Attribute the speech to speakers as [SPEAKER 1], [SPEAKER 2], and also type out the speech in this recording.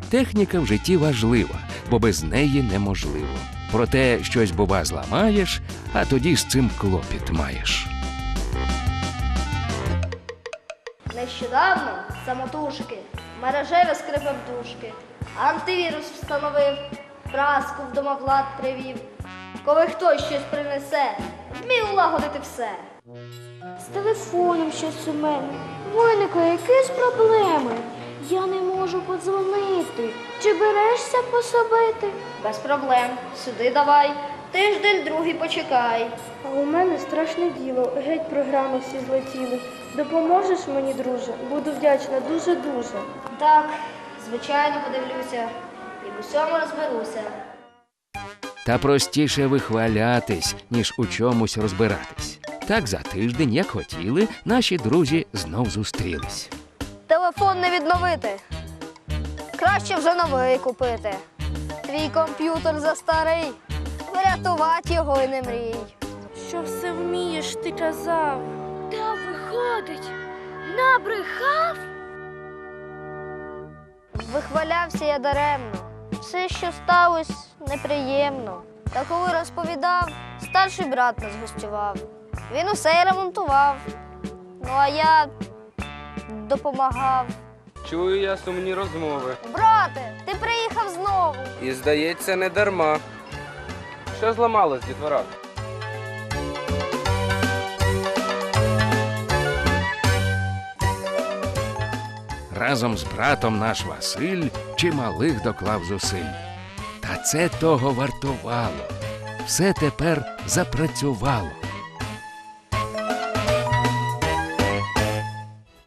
[SPEAKER 1] Техніка в житті важлива, бо без неї неможливо. Проте щось, бува, зламаєш, а тоді з цим клопіт маєш.
[SPEAKER 2] Нещодавно самотужки мережеві скрипав дужки, антивірус встановив, праску в домоклад привів. Коли хтось щось принесе, вмів улагодити все.
[SPEAKER 3] З телефоном щось у мене. Виникли якісь проблеми. Я не можу подзвонити. Чи берешся пособити?
[SPEAKER 2] Без проблем, сюди давай, тиждень другий почекай.
[SPEAKER 4] А у мене страшне діло, геть програми всі злетіли. Допоможеш мені, друже? Буду вдячна дуже-дуже.
[SPEAKER 2] Так, звичайно, подивлюся і в усьому розберуся.
[SPEAKER 1] Та простіше вихвалятись, ніж у чомусь розбиратись. Так за тиждень, як хотіли, наші друзі знов зустрілись.
[SPEAKER 2] Телефон не відновити. Краще вже новий купити. Твій комп'ютер застарий, врятувати його й не мрій.
[SPEAKER 4] Що все вмієш, ти казав.
[SPEAKER 3] Та виходить, набрехав?
[SPEAKER 2] Вихвалявся я даремно. Все, що сталося, неприємно. Та коли розповідав, старший брат нас гостював. Він усе й ремонтував. Ну а я допомагав.
[SPEAKER 5] Чую я сумні розмови.
[SPEAKER 2] Брате, ти приїхав знову.
[SPEAKER 5] І, здається, не дарма. Що зламалось, дітвора?
[SPEAKER 1] Разом з братом наш Василь чималих доклав зусиль. Та це того вартувало. Все тепер запрацювало.